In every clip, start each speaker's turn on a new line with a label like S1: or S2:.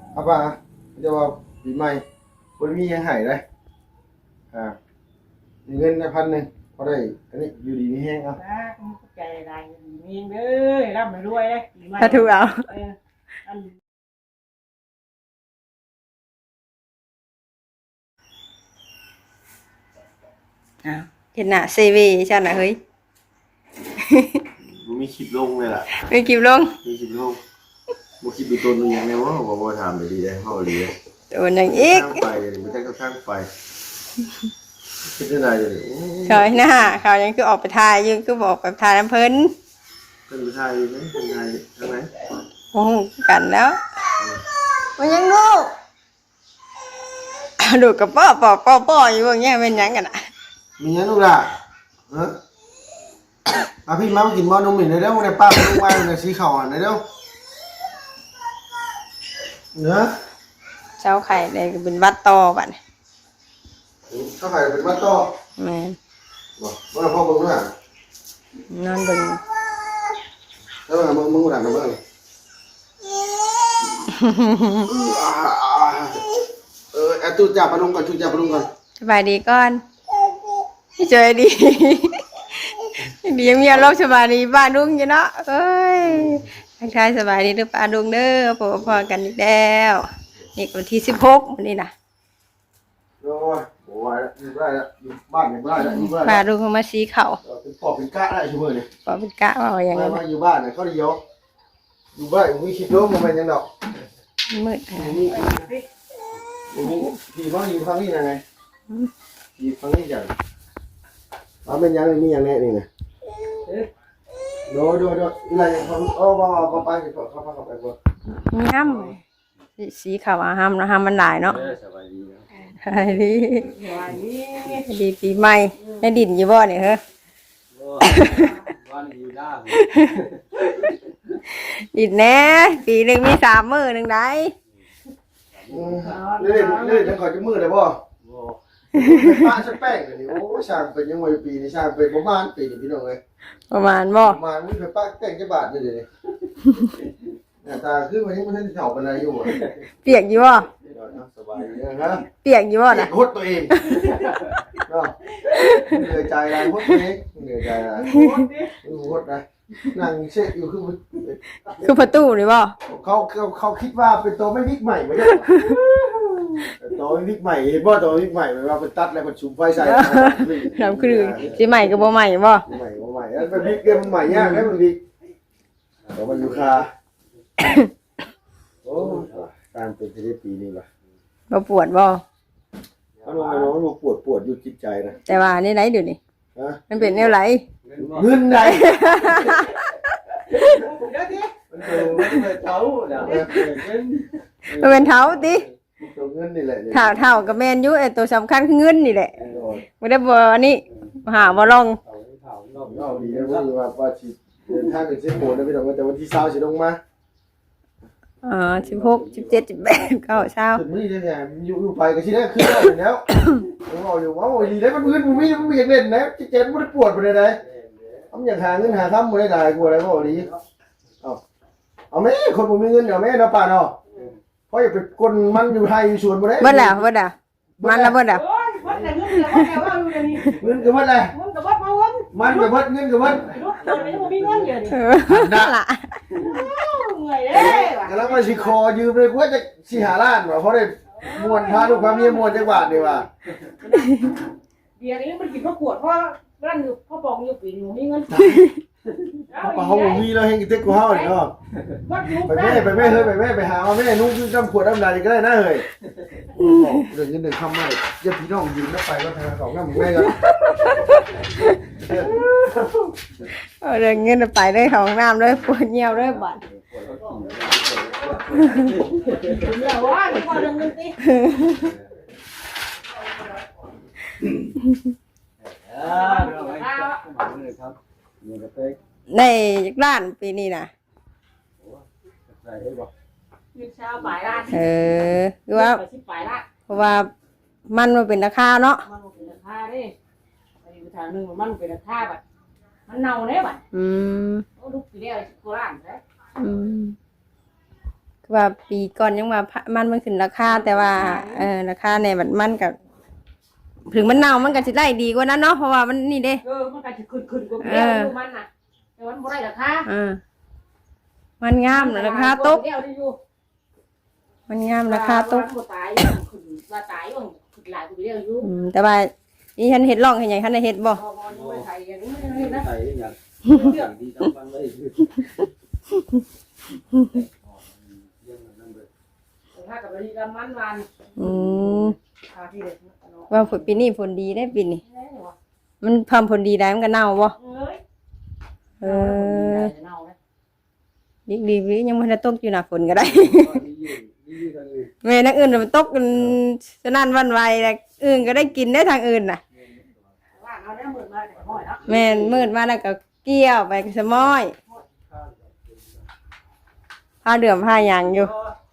S1: เอาป่ะจะว่าปีใหม่คนมียังหายเลยมีเงินได้1,000พอได้อันนี้อยู่ดีมีแห้งเอา
S2: ใจได้มีเด้อร่ำรวยเลย
S3: ถ้าถูกเอาเห็นหน้าเซวีใช่ไหมเฮ้ย
S1: มีคลิปลงเลยล่ะ
S3: มีคลิปลง
S1: มีคลิปลงบ่คลิปดูตัวนึงอย่างไรวะบ่ถามเลยดีได้เฮาดีเลย
S3: ตัวนึงอีก
S1: ไปไม่ใช่ก็ข้างไปคิดได้ไงเลย
S3: เขาหน้าเขายังคือออกไปถ่ายยังคือบอกไปถ่ายน้ำเพิ่น
S1: เป็นผู้ชายไหมเป็นไทยทั้งไหน
S3: โอ้กันแล้วมันยังดูกับป้ออยู่ว่าเงี้ยเป็นยังกันอ่ะ
S1: มีเงี้ยลูกล่ะพี่มากินบอลนมหมิ่นเลยเด้อมึงได้ป้าไปลูกไม้ในสีขาวอ่ะเด้อเนื้อ
S3: เช้าไข่เลยเป็นวัดต่อบัด
S1: เช้าไข่เป็นวัดต่อ
S3: แม่
S1: บอกว่าพ่อมึงน่ะ
S3: นอนบึง
S1: แล้วมึงหลังนะมึงจุดจับปลาลุงก่อนจุดจับปลาลุงก่อน
S3: สบายดีก่อนเจอดีดีมีอารมณ์สบายดีบ้านลุงอยู่เนาะเอ้ยทักทายสบายดีหรือป้าลุงเด้อพอกันอีกแล้วนี่วันที่16นี่นะ
S1: โอ้ยโอ้ยอยู่ได้แล้วอยู่บ้านอยู่ได้แล้วอยู่ได้
S3: ป้าลุงเขามาชี้เข่า
S1: เป็นปอบเป็นกะได้ช่วยเลย
S3: ปอบเป็นกะว่าอย่าง
S1: นั้นอยู่บ้านเนี่ยเขาได้ยกอยู่บ้านมีคลิปล้มมันเป็นยังดอก
S3: มืด
S1: ผีฟังอยู่ฟังนี่ยังไงผีฟังนี่จังเอาเป็นยังมีอย่างแน่นี่นะโดอะไรอย่างเขาว่าไปเข้าไปก่อน
S3: มีห้ามสีขาวห้ามนะห้ามมันหลายเนาะ
S1: สบายดี
S3: สบายดีดีปีใหม่ได้ดินอยู่บ่เนี่ยเหรอดินแน่ปีหนึ่งมี3 มื้อหนึ่งได้
S1: เล่นขอจะมือเลยบ่ป้าชักแป้งเลยนี่โอ้ช่างเป็นยังไงปีนี้ช่างเป็นประมาณปีนี้พี่น้องเลย
S3: ประมาณบ่
S1: ประมาณมึงเป็นป้าแป้งจะบาทเลยนี่ตาคือวันนี้มันเฉาเป็นอะไรอยู่
S3: เปียกอยู่บ่
S1: สบายดีนะ
S3: เปียกอยู่บ่นะ
S1: โคตรตัวเองเหนื่อยใจอะไรโคตรตัวเองเหนื่อยใจอะไรโคตรนะนั่งเช็คอยู่
S3: คือประตูนี่บ่
S1: เขาคิดว่าเป็นตัวไม่วิกใหม่ไม่ใช่ตัวไม่วิกใหม่เห็นบ่ตัววิกใหม่หมายว่าเป็นตัดแล้วก็ชุมไฟใส่
S3: น้ำคือสิใหม่ก็บ่ใหม่บ่
S1: ใหม่แล้วเป็นวิกเกมมันใหม่ยากให้มันวิกแต่มันอยู่คาโอ้การเป็นที่ได้ปีนี้ว่ะ
S3: บ่ปวดบ่
S1: มันปวดอยู่จิตใจนะ
S3: แต่ว่านี่ไหนเดี๋ยวนี้มันเป็นแนวไหน
S1: เงินไหนมันเป็นเท้า
S3: มันเป็นเท้าติ
S1: ตัวเงินนี่แหละ
S3: เท้ากับแมนยูตัวสำคัญคือเงินนี่แหละไม่ได้บ่อันนี้หาบ่ลอง
S1: ดีนะว่าฉีดเดินทางเป็นเส้นโหดนะพี่น้องแต่วันที่20สิลงมา
S3: 16 17 18 9เช้า
S1: ถึงนี่ได้ไงอยู่ไปก็สิได้คือได้แล้วเอาอยู่ว่าโอ้ยดีได้มันมันมีอยากเล่นนะเจ็บมันปวดไปเลยได้ทำอย่างหาเงินหาทำไม่ได้ได้กลัวอะไรก็ดีเอาแม่คนผมมีเงินเอาแม่เนาะป่าเนาะเพราะอย่าไปกลมันอยู่ไทยอยู่สวนบ่ได้
S3: เบิดแล้วมันแล้วเบิดแล้ว
S1: เงินกับวัดอะไรมันกับวัดเงินกับวัด
S2: นั่น
S1: ล่ะแล้วมาสิคอยืมเลยว่าจะสิหาล้านว่ะเพราะได้มวนพาลูกพาเมียมวนจังหวัดนี่ว่ะ
S2: เดี๋ยวนี้มันกินข้าวขวดเพราะร้านอยู่พ่อปองอยู่ปีหนูมีเงิน
S1: เขามีเราเฮงกิเต็กกูเฮาเนาะไปแม่เฮ้ยไปแม่ไปหาเอาแม่นุ่งจำขวดน้ำลายก็ได้นะเฮ้ยเรื่องเงินเดือนคำไม่จะพี่น้องยืมแล้วไปก็ทางของน้ำแม่กัน
S3: เรื่องเงินไปได้ของน้ำด้วยปวดเงียวด้วยบัด
S2: เดี๋ยวว่าพอเรื่องเงินสิ
S3: ในร้านปีนี้นะคือว่าเพราะว่ามันเป็นราคาเนาะ
S2: มันเป็นราคาดิไปอยู่ทางนึงมันเป็นราคาแบบมันเน่าเนี่ยแบบลูกปีเดียวโคราชเลย
S3: ก็ว่าปีก่อนยังว่ามันขึ้นราคาแต่ว่าราคาในบัดมันก็ถึงมันเน่ามันก็สิได้ดีกว่านั้นเนาะเพราะว่ามันนี่เด้
S2: มันก็สิขึ้นกว่าเดียวอยู่มันน่ะแต่มันบ่ได้ราคา
S3: มันงามราคาตก
S2: เดียวได้อยู่
S3: มันงามราคาตก
S2: บ่ตายขึ้นว่าตายว่าขึ้นหลายกว่าเดียวอยู่
S3: แต่ว่านี่ฉันเฮ็ดร่องให้ใหญ่คันได้เฮ็ดบ่
S2: บ่ไม่ไทยอย่างนี้ไม่ได้นะ
S4: ใส่อย่างดีต้องฟังเลย
S2: ถ้ากับดีกับมันวัน พาที่เด็ก
S3: ว่าฝนปีนี้ฝนดีได้ปีนี้มันพามผลดีได้มันก็เน่าบ่ดียังบ่ได้ตกอยู่น่ะฝนก็ได้ แม่นักอื่นมันตกกันสนั่นวันไหวแล้วอื่นก็ได้กินได้ทางอื่นน่ะ
S2: ว่าเอาได้หมื่นมาแต่ห้อยเนาะ
S3: แม่นมืดมาแล้วก็เกี่ยวไปสมอยผ้าเดือมผ้าหยางอยู่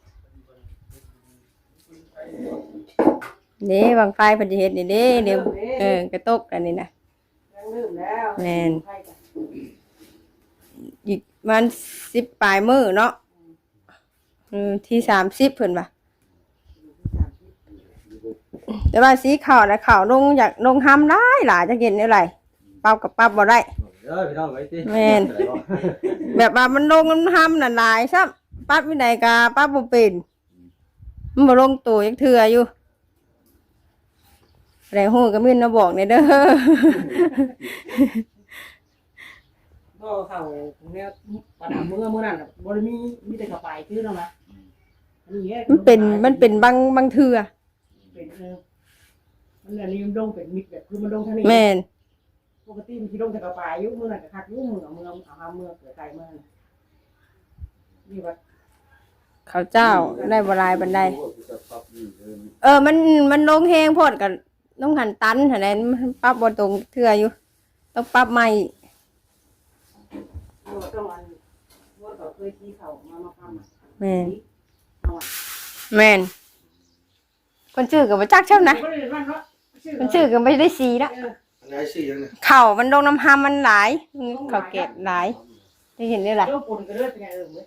S3: นี่บางไฟเพิ่นสิเฮ็ดนี่เด้เดี๋ยวกระตกอันนี้น่ะ
S2: ยังลืมแล้ว
S3: แม่นอีกมัน10ปลายมื้อเนาะที่30เพิ่นว่าแต่ว่าสีขาวน่ะขาวลงอยากลงห้ำหลายจะเห็นได้ไรปรับกับปรับบ่ได้
S4: พี่น้องไว้สิ
S3: แม่นแบบว่ามันลงมันห้ำน่ะหลายซ้ำปรับวินัยกาปรับบ่เป็นมันบ่ลงตัวจักเทื่ออยู่แรงฮู้ก็มีนะบอกเนี่ยเด้อ
S2: ก็เขาเนี่ยปัญหาเมื่อนั้นบ่ได้มีแต่กระป๋ายคือแล้วนะ
S3: มันเป็นบางเทื่อ
S2: เป็นมันอันนี้มันลงเป็นมิดแบบคือมันลงทางนี้
S3: แม่น
S2: ปกติมันสิลงแต่กระป๋ายอยู่เมื่อนั้นก็คักอยู่เมืองเอาเมืองเกิดไกลเมืองนี่ว่า
S3: เขาเจ้าได้บ่หลายปานใดมันลงแฮงโพดก็ต้องหันตันหั่นแหละมันปรับบ่ตรงเทื่ออยู่ต้องปรับใหม่
S2: ต้องอันว่าเขาเคยที่เขามาทำ
S3: แม่นคนชื่อก็บ่จักเช่านะคนชื่อก็ไม่ได้สีละ
S1: อันไหนสิยังเนี่ย
S3: เข่ามันลงน้ำหามันหลายเข่าเก็บหลายได้เห็นได้หลาย
S2: เรื่องปนกันเรื่องเป็นไงเว้ย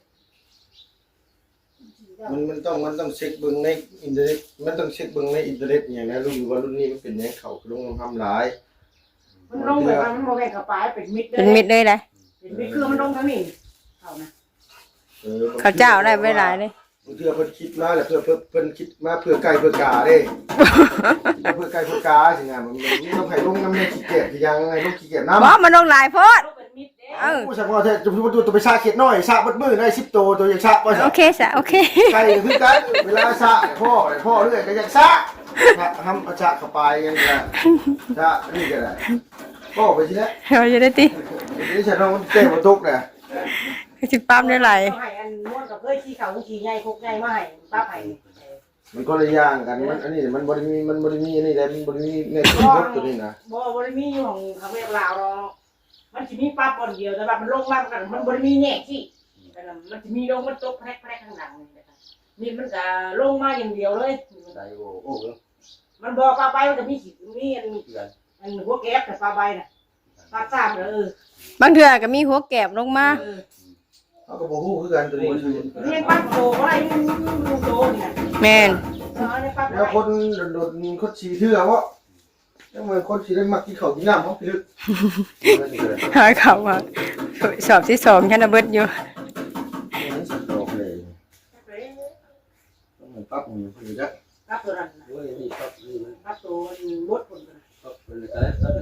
S1: มันต้องเช็คเบิ่งในอินเทอร์เน็ตมันต้องเช็คเบิ่งในอินเทอร์เน็ตอย่างนะรู้อยู่ว่ารุ่นนี้มันเป็นยังเขาลงทำหลาย
S2: มันลงแบบมันโมแกกระป๋ายเป็นมิด
S3: เป็นมิดเลยเลย
S2: เป็นมิดคือมันลงทั้งนี้เขานะ
S3: เขาเจ้าได้ไปหลายเลย
S1: เพื่อเพิ่นคิดมาแหละเพิ่นคิดมาเพื่อไก่เพื่อกาเด้ เพื่อไก่เพื่อกาสิงานมันต้องให้ลงน้ำในขี้เกียจยังไงลงขี้เกียจน้ำ
S3: บ่มันลงหลายโพด
S2: เป็นมิดเด้
S1: ผู้ชายว่าจะตัวไปชาเขียดน้อยชาบัดมือได้10ตัวยังชาบ่
S3: โอเคซะโอเค
S1: ไก่คือกันเวลาชาพ่อเรื่อยก็ยังชาทำเอาชาเข้าไปยังไงชานี่ก็ได้พ่อไปสิแล้ว
S3: เราจะได้ติ
S1: นี่ฉันต้องเตะบอลตุกเนี่ย
S3: สิปั๊มได้หลาย
S2: ให้อันม้วนกับเพื่อขี้เขาขี้ใหญ่คุกใหญ่มาให้ป้าไผ่
S1: มันก็เลยย่างกันมันอันนี้มันบริมีอันนี้เลยมันบริมีเม็ดรถตัวนี้นะ
S2: บ่ได้มีอยู่ของแม่ลาวหรอกมันจะมีป้าปนเดียวแต่ว่ามันลงมากันมันบ่ได้มีแง่ที่มันจะมีลงมันตกแพรกข้างหลังนี่มันจะลงมาอย่างเดียวเลย
S4: ใส่โอ้
S2: มันบอกปลาใบมันจะมีขีดมีอันหัวแก๊บแต่ปลาใบน่ะปลาซ้ำ
S3: บางเทื่อก็มีหัวแกบลงมา
S1: เขาก็บอกฮู้คือกันตัวนี้
S2: เรียกปลาโตอะไรดูโตเนี่ย
S3: แม่น
S1: แล้วคนโดดคนฉี่เถื่อวะยังเหมือนคนฉี่ได้มักกินข้าวกินน้ำเขาพิลึก
S3: หาเขามาสอบที่2ฉันน่ะเบิดอยู่
S1: ปั๊บอยู่จ้ะ
S2: ปลาตัวนั้น
S4: โหนี่ครับนี่มัน
S2: ปลาตัวมดคน
S4: ครับเป็นอะไร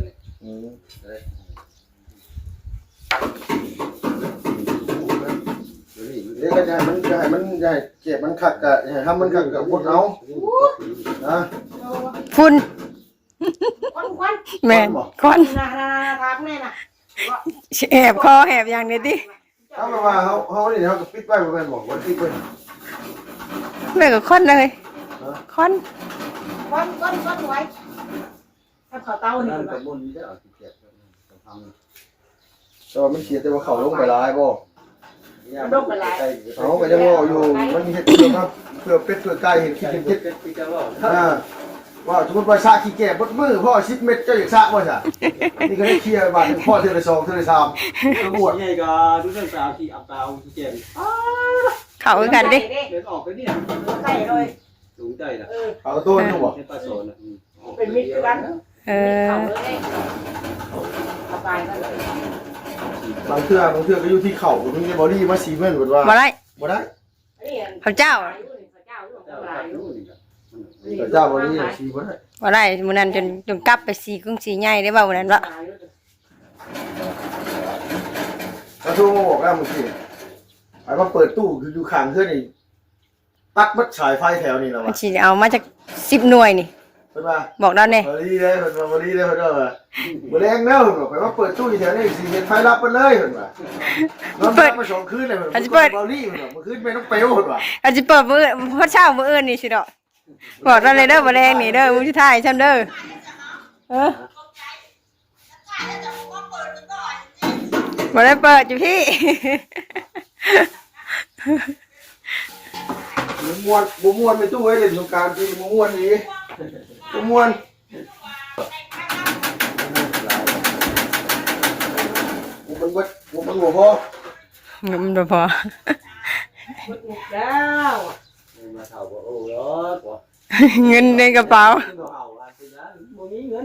S1: เดี๋ยวก็จะมันจะให้มันใหญ่เจ็บมันขัดกับทำมันขัดกับพวกเรานะ
S3: ฝุ่น
S2: ควัน
S3: แม่นควัน
S2: นาทางแม่น่ะ
S3: แหบคอแหบอย่างนี้ติ
S1: เขาบอกว่าเขาเนี่ยเขาก็ปิดไว้ประมาณบอกว่าปิดไว้
S3: แม่ก็ควันเลยควัน
S2: ควันไว้ถ้าเขาเต้านี่
S4: นั่นกับบุญจะเอาที่เก็บกับทำ
S1: แต่ว่ามันเสียแต่ว่าเขาลงไปลายบ่
S2: มันลงไปหลาย
S1: เขาก็ยังว่าอยู่มันมีเหตุผลครับเพื่อเป็ดเพื่อไก่เห็นคิดเห็นคิด
S4: ปีกว่า
S1: ว่าสมมติว่าซาขี้แก่บดมือพ่อ10 เม็ดเจ้าอยากซาบ่จ้ะนี่ก็ได้เคลียร์บาทพ่อเทื่อละ2เทื่อละ3กระบวด
S4: ใหญ่ก็ดูเรื่องสาวที่อับตาที่เก็บ
S3: ขเข้าคือกันดิ
S4: เดินออกไปเนี่ย
S2: ใส่เลย
S4: สูงใจนะ
S1: เอาตัวนึงบ่
S4: ในปลาโซนอ่ะ
S2: เป็นมิตรกัน
S3: เออ
S2: เข้าเลยสบายกันเลย
S1: บางเทื่อก็อยู่ที่เข่ามีบอดี้มาซีเมนต์ว่า
S3: บ่ได้
S1: บ่ได้
S3: เขาเจ้า
S2: เจ้า
S1: แต่เจ้าบอดี้ซีบ่ได้
S3: บ่ได้มื้อนั้นจนกลับไปสีกรุงสีใหญ่ได้บ่มื้อนั้นวะ
S1: เขาโทรมาบอกแล้วเมื่อกี้ไอ้มาเปิดตู้คืออยู่ข้างเพื่อนนี่ตัดมัดฉายไฟแถวนี่แล้ว
S3: มัน
S1: วะ
S3: สิเอามาจาก10หน่วยนี่
S1: เพิ่นว่า
S3: บอกเราแน่
S1: บอดี้เลยเพิ่นว่าบอดี้เลยเพิ่นว่าบ่แรงแล้วเพิ่นว่าไปว่าเปิดตู้อยู่แถวนี้สิเห็นไฟลับไปเลยเพิ่นว่าน้องมาสองคืนเลยเพิ่นว่าบอดี้เพิ่นว่าเมื่อคืนไปน้องเปลวเพิ่นว่า
S3: อาจสิเปิดมื้อพอเช้ามื้ออื่นนี่สิดอกบอกเราเลยเด้อบ่แรงนี่เด้อมื้อสุดท้ายซั่นเด้อบ่ได้เปิดอยู่พี่
S1: บ่ม่วนไปตู้ไว้เล่นสงกรานต์ปีบ่ม่วนนี่บ่ม่วนมันบ่พอ
S3: เงินบ่พอ
S2: แล้ว
S4: มาเท่าว่าโอ้ยกว่า
S3: เงินในกระเป๋า
S4: เอาอะไรนะบ่มีเงิน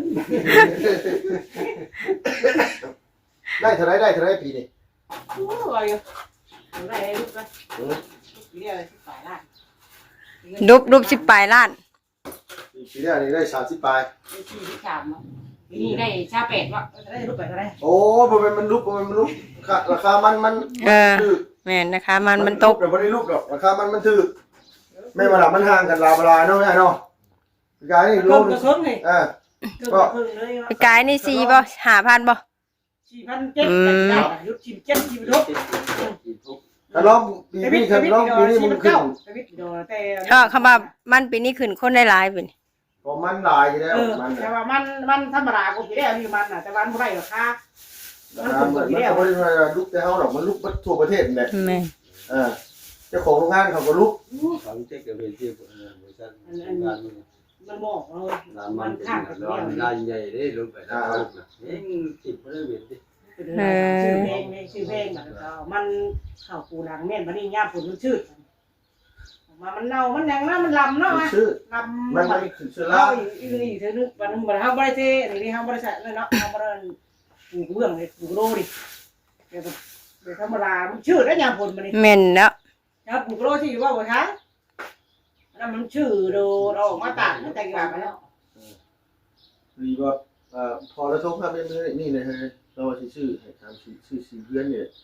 S1: ได้เท่าไรปีนี้
S2: โอ้ยได้ลูกนะเรียกอะไรที่ฝ่ายล่าง
S3: รูป10ปลายล้าน
S1: ปีนี้นี่ได้30ปลาย
S2: ได้ที่ที่สามนี่ได้ชาเป็ดวะได้ลูกเป็ดอะไร
S1: โอ้บ่แม่นมันลุกราคามันถูก
S3: แม่นนะคะมันตก
S1: แต่บ่ได้ลุกดอกราคามันถูกแม่มาล่ะมันห่างกันลาวลาเนาะแม่เนาะกายนี่โล
S2: กระเคิงเลย
S1: ก็
S2: กระเคิงเลย
S3: กายนี่4บ่ 5,000บ่
S2: 4,700ได้ยุดชิมเจ็ดชิมรถ
S1: ถ้าลองปีนี้ถ้าลองปีนี้มันขึ้น
S3: ก็คำว่ามันปีนี้ขึ้นคนได้หลายปีนี่
S1: พอมันหลายอยู่แล้วมัน
S2: แต่ว่ามันธรรมดากูพี่ได้มีมันน่ะแต่วันบ่ได้หรอกค่ะ
S1: มันก็บ่ได้ว่าลุกแต่เฮาดอกมันลุกทั่วประเทศนี่แหละ
S3: แม่น
S1: เจ้าของโรงงานเขาก็ลุก
S4: เขาเช็คกับเวทีบริษัทงาน
S2: มันบอกเลย
S4: งานมันข้างกันแล้วงานใหญ่ได้ลงไปแล้วนะเองติดบ่ได้เวียนดิ
S2: ชื่อเพลงมันเข้าปูหลังแม่นบัดนี้ย่าฝนมันชืดมามันเน่ามันยังนะมันลำเนาะ
S1: ชื่อ
S2: ลำ
S1: มันขึ้นเชื้อรา
S2: เฮาอีกเธอนึกวันบ่เฮาบ่ได้เทนี่เฮาบ่ได้ใส่เลยเนาะเฮาบ่ได้ปลูกเบื้องเลยปลูกโรดิเดี๋ยวธรรมดามันชืดแล้วย่าฝนมันนี่
S3: แม่นเนาะ
S2: ครับปลูกโรที่ว่าบ่ทันแล้วมันชื่อโดออกมาตัดมันแต่งแบบแล้ว
S1: ดีว่าพอแล้วทุกครับนี่เลยเราว่าชื่อให้ถามชื่อสีเพื่อนเนี่ย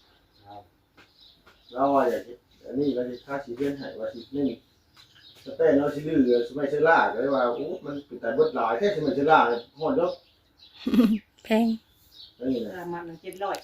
S1: เราว่าอย่างนี้อันนี้เราจะค่าสีเพื่อนให้ว่าสีนี่สเต้เราสิลือสมัยเชล่าก็เลยว่าโอ้มันเป็นการเบิดหลายแค่สมัยเชล่าเนี่ยหอดยก
S3: แพง
S1: นี่นะ
S2: มัน700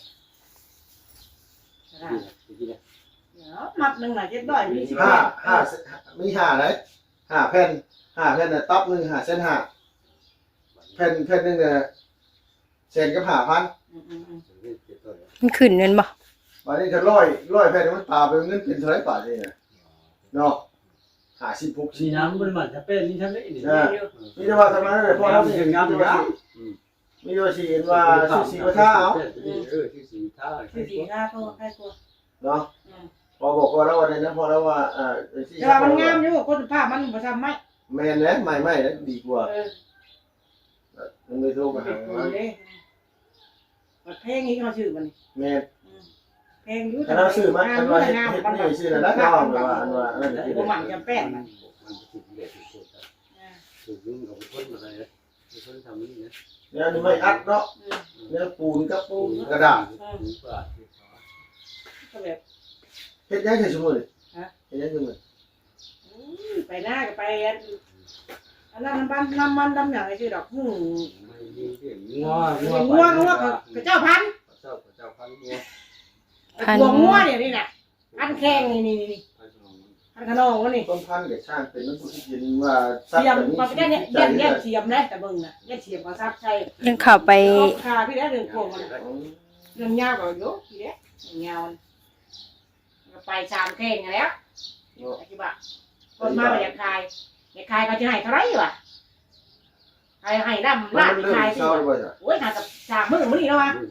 S2: มัดนึงน่ะ700มี15
S1: 5มี5เลย5แผ่นน่ะต๊อปนึง5เส้น5แผ่นนึงเนี่ยเส้นกับ5,000
S3: มันขึ้นแม่นบ่
S1: บัดนี้ถ้า100แผ่นมันปาไปเงินเป็นเท่าไหร่บาทนี่น่ะเนาะ56
S4: สีน้ำมันมันจะเป็นนี่ทำได้นี่
S1: มีแต่ว่าทำไมเนี่ยพอเราสิงามอยู่มีว่าสิเห็นว่าสีกระทะเอา
S4: ที่สีท่า
S2: คือสีหน้าก็ใครกลัว
S1: เนาะพอบอกว่าแล้ววันนั้นพอแล้วว่าสี
S2: แต่ว่ามันงามอยู่คนภาพมันบ่ทำไหม
S1: แม่นแล้วไม่แล้วดีกว่ามันไม่โทรมาหา
S2: มันเพลงนี้เขาชื่อมัน
S1: แม่น
S2: เพลงอยู่
S1: ถ้าเราซื้อมาอันว่าเฮ็ดนี่ซื้อแล้วนะว่าอันว่าอันนั้น
S2: บ่มันจะแป้งมัน
S4: ถูกยุ่งกับคนอะไรนะคนทำนี่นะ
S1: เนี่ยนี่ไม่อัดเนาะเนี่ยปูนกับปูนกระดาษ
S2: ก็แบบ
S1: เฮ็ดยังใส่ชั่วโมงเฮ็ดยังชั่วโมง
S2: ไปหน้าก็ไปอันนั้นมันน้ำมันดำอย่างไรชื่อดอกหู งัวกระเจ้าพันงัวเนี่ยนี่น่ะพันแข้งนี่พันขนองวะนี่
S1: ต้นพันธุ์ก็ช่างเป็นมันผู้ที่ยินว่า
S2: เสียมมันก็แย่เสียมนะแต่เบิ่งน่ะแย่เสียมก็ซับใช่
S3: ยังเข้าไป
S2: คาพี่ได้เรื่องโกงมันเรื่องยาวก็เยอะพี่เด้ยาวไป3แข้งแล้วอธิบายคนมาอยากคายก็จะให้เท่าไรวะให้น้ำลาดคายสิโอ้ยน่าจะ3มื้อมื้อนี้แล้ววะ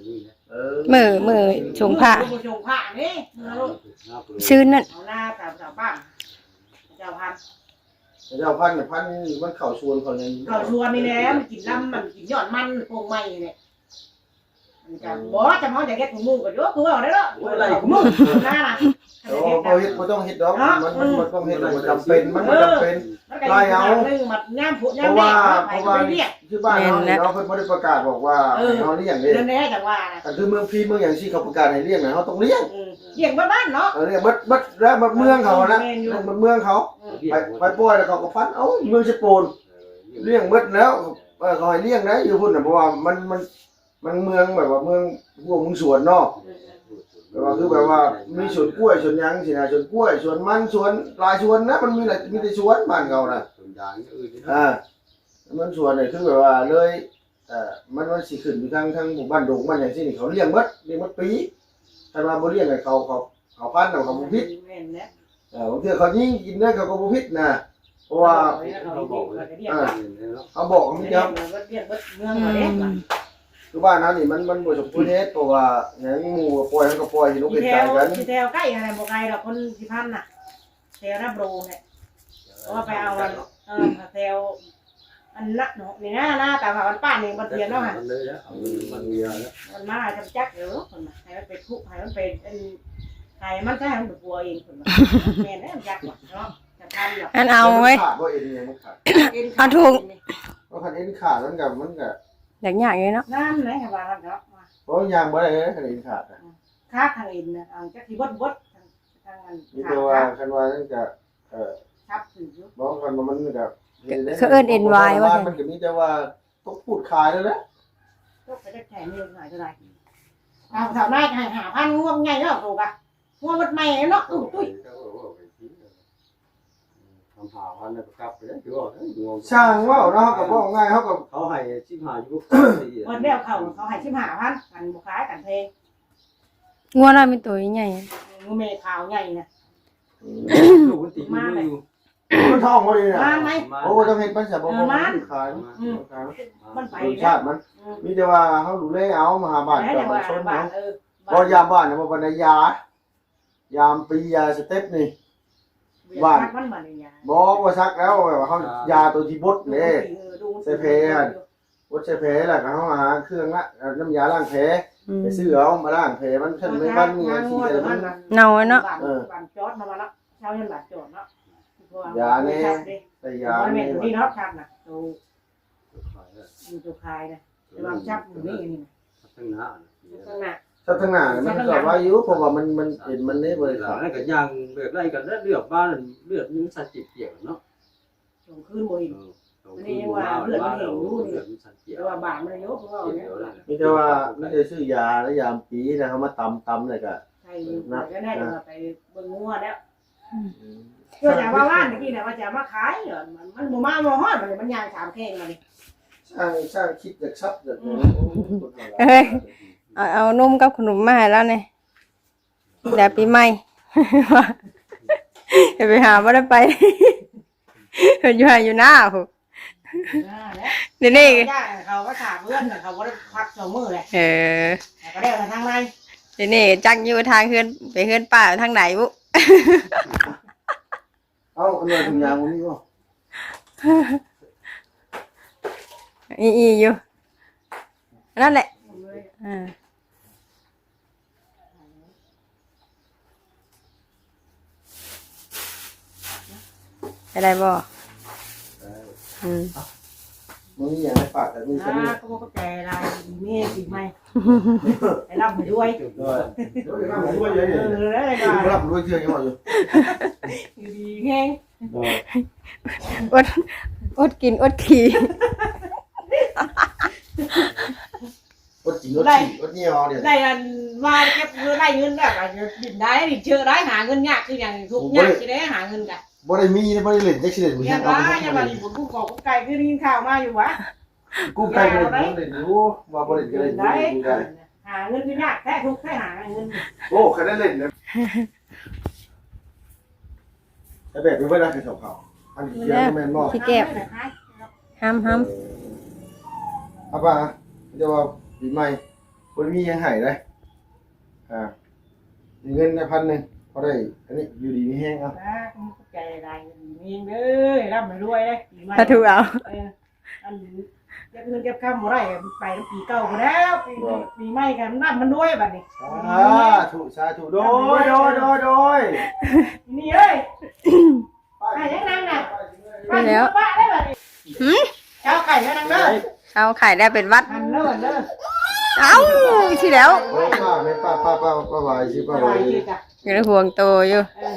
S3: มื้อชงผ้า
S2: ชงผ้านี่
S3: ชื่อนั่น
S2: เอาหน้าตามชาวบ้านเจ้าพัน
S1: เจ้าพันธุ์พันธุ์มันเข่าชวนเขาเนี่ย
S2: เขาชวนนี่แหละมันกินลำมันกินยอดมันโป่งไม้เนี่ยมันจะบ่จะเขาจะเก็บถุงมือก็เยอะกูเอาได้แล้วอะไรถุงมือหน้าน่ะ
S1: โอ้เขาเฮ็ดบ่ต้องเฮ็ดดอกมันต้องเฮ็ดมันจำเป็นมันจำเป็น
S2: ไล่เอาเรื่องมันย่ำผุย่ำแม่ไปเรียก
S1: ที่บ้านเราเพิ่นบ่ได้ประกาศบอกว่าเขาเลี้ยงเด้
S2: เรื่องนี้จังว่านะ
S1: แต่คือเมืองพี่เมืองอย่างที่เขาประกาศให้เลี้ยงน่ะเขาต้องเลี้ยง
S2: เรียกบ้านเนาะ
S1: เลี้ยงบัดแล้วบัดเมืองเขานะบัดเมืองเขาไปปล่อยแล้วเขาก็ฟันเอ้าเมืองสิโปนเลี้ยงเบิดแล้วเขาให้เลี้ยงนะอยู่พุ่นน่ะเพราะว่ามันเมืองแบบว่าเมืองพวกมึงสวนเนาะแบบว่าคือแบบว่ามีสวนกล้วยสวนหยังสินะสวนกล้วยสวนมันสวนหลายสวนนะมันมีหลายมีแต่สวนบ้านเขาน่ะ
S4: ส่วนยางอื่น
S1: มันสวนนี่คือแบบว่าเลยมันสิขึ้นอยู่ทางหมู่บ้านดงบ้านหยังซี่นี่เขาเลี้ยงเบิดปีถ้าว่าบ่เลี้ยงให้เขาพันธุ์เขาบ่ผิดบางทีเขายิงกินได้เขาก็บ่ผิดนะเพราะว่า
S4: เขาบอกเลย
S1: เขาบอกมีครับ
S2: เรียกเมืองมาเด็ก
S1: คือบ้านนั้นนี่มันบ่สมควรเฮ็ดเพราะว่าหยังหมู่ปล่อยมันก็ปล่อยที่ลูก
S2: ที่
S1: เฮ็ด
S2: แถ
S1: ใจ
S2: ว
S1: กัน
S2: ที่แถวใกล้อะไรบอกไกลดอกคนที่พันน่ะแถวรับโรงเนี่ยเพราะว่าไปเอาวันแถวอันนักเนาะนี่นะแต่ว่าวันป้านี่มันเทียนเนาะฮะ
S4: มันเลยแล้วมันเยอะแล้ว
S2: มันมาจำจักเดี๋ยวคนมาให้มันเป็นคุกให้มันเป็นให้มันใช่มันปัวเองคนมาแม่เนี่ยจักเนาะจะทำหรอก
S3: อันเอาไว้
S1: ขาดบ่เอ็นเนี่ยมันขาด
S3: เอาถูก
S1: เพราะคันเอ็นขาดมันก็
S3: อยากอย่างนี้เนาะ
S2: นั่นไหนครับว่าเนาะ
S1: เพราะยางบ่ได้คันเอ็นขาด
S2: ค่าทางอินนะจักที่บดทางอัน
S1: มีแต่ว่าคันว่านั่นก็
S2: ชับถือ
S1: บ่คันว่ามันก็
S3: เขาเอิ้น NY ว่า
S1: มันก็มีแต่ว่าต้องพูดขายแล้วแหละ
S2: ก็ไปได้แข่งเงินหน่อยเท่าไหร่เอาแถวหน้าหาพันง่วงไงเนาะถูกป่ะง่วงมันใหม่เนาะตุ้ย
S4: ทำหาพันแล้วก็กลับไปแล้วถือว่า
S1: ช่างว่าเนาะก็บ่ง่ายเฮาก็
S4: เขาให้ชิมหาอยู่
S2: วันเดียวเขาให้ชิมหาพันกันบุคล้ายกันเพลง
S3: งัวน้อยมีตัวใหญ่
S2: งูเมฆขาวใหญ่นะ
S4: ลูกมันติดมืออยู่
S1: มันท้องบ่ดีน่ะ
S2: มาไหม
S1: โอ้ต้องเฮ็ดมันซะบ่ขาย
S2: มันไป
S1: ชาติมันมีแต่ว่าเฮาดูแลเอามาหาบ้าน
S2: แล้ว
S1: ก็
S2: แต่
S1: มา
S2: ว่า
S1: ชน
S2: บ้า
S1: เนาะ
S2: น
S1: บ่ยามบ้านน่ะบ่ปานยายามปียาสเต็ปนี่
S2: มันมาเนี่ย
S1: บ่ว่าซักแล้วแบบว่าเฮายาตัวที่บดเด้บดใส่แผลแล้วก็เฮาหาเครื่องละน้ำยาล้างแผลไปซื้อเอามาล้างแผลมันขึ้นไม่บ้านมีสิแต่มัน
S3: เนาเนาะ
S2: บ้านจอดมาแล้วเช้ายันบาดจอดเนาะ
S1: ยานี่ใส่ยา
S2: มัน
S1: นี่
S2: เป็นที่เนาะชับน่ะตัวคายนะแต่ว่าชับอยู่นี่นี่
S4: ทั้งหน้า
S2: ข้างหน้า
S1: ถ้าทางหน้ามันก็ว่าอยู่เพราะว่ามันเห็นมันนี่บ่ได้
S4: หลั
S1: ขาง ย
S4: นั้นก็ย่างเลือดไล่กันเลือดบ้านเลือดนึงสัตว์เกี่ยวเนาะ
S2: ส่งคืนบ่เห็นแต่ว่าบาดมันเยอะเพราะว่าเนี่ย
S1: มีแต่ว่าไม่ได้ซื้อยาแล้วยามปีนะเฮามาตำเลยก็
S2: ใช่ก็ได้ไปเบิ่งงัวแล้วเพื่อจะว่าว่านเมื่อกี้เนี่ยว่าจะมาขายมันบ่มาบ่ฮอดมันย่างสามแข้งมาดิ
S1: ช่างคิดอยากซับอยาก
S3: เฮ้ยเอานมกับขนมมาให้แล้วเนี่ยเดี๋ยวปีใหม่จะไปหาบ่ได้ไปเพิ่นอยู่หน้าพุ่นเดี๋ยวนี้
S2: เขาก็ถามเพื่อนเขาบ่ได้พัก2มื้อแหละ ก็ได้มาทางใน
S3: เดี๋ยวนี้จักอยู่ทางเฮือนไปเฮือนป้าทางไหนบุ
S1: เอาอันนี้ถุงยางมันนี่บ่
S3: อีอยู่นั่นแหละได้บ่
S1: มึงอย่างไรฝากแต่มึงจะมี
S2: ก็บอกแกลายมีสิไหมไปรับไปด้วย
S1: ด้วยเยอะๆ
S2: แล้วก็
S1: รับด้วยเชื่อยังอยู่
S2: อยู่ดีแห้ง
S3: อดกินอดขี่
S1: อดกินอดขี่อดเงี้ยวเนี่ย
S2: ได้มาเก็บเงินได้เงินแบบดินได้ดิเชื่อได้หาเงินยากคืออย่างทุกยากที่ได้หาเงินกัน
S1: บ่ได้มีบ่ได้เล่นจักสิเล่นบ่
S2: อย่า
S1: เอา
S2: ว่าอย่ามาดิบุญกู้กอกไก่คือกินข้าวมาอยู่วะ
S1: กูไกลบ่ได้เล่นอยู่ว่าบ่ได้เล่นได้
S2: หาเงินคือยากแท้ทุกแท้หาเงิน
S1: โอ้คันได้เล่นนะแต่แบบนี้บ่ได้คือเขาอันนี้เยอะแม่นบ่
S3: พี่แก้วห้าม
S1: เอาป่ะจะว่าปีใหม่เปิคนมียังหายเลยมีเงินได้1,000พอได้อันนี้อยู่ดีมีแห้งเอา
S2: นะใจได้มีเด้อร่ำไม่รวยเลยปีใหม่
S3: ถ้าถูกเอา
S2: อันเก็บเงินเก็บข้ามบ่ได้ไปปีเก่าไปแล้วปีใหม่กันน้ำมันด้วยบัดนี้
S1: สาธุโดย
S2: นี่เอ้ยไก่ยังนั่งน่ะป้าได้บัดนี้เจ้าไก่ยังนั่งเด้อ
S3: เอาไข่ได้เป็นวัด
S2: หันเด้อเด้อ
S3: เอ้าที่แล้ว
S1: ป้าไม่ป้าไหวสิป้าไหว
S3: อยู่ในห่วงโตอยู่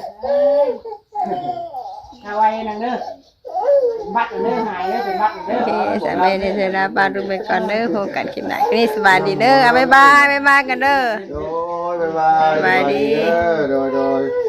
S2: เอาไว้นั่งเด้อบัดเด้อหายเด้อเป็นบัดเด้
S3: โอ
S2: อ
S3: เคสามีในเซราบานรุมไปก่อนเด้อพบกันคลิปหน้านี่สบายดีเด้อเอาบ๊ายบายกันเด้อ
S1: โดยบ๊ายบายโดย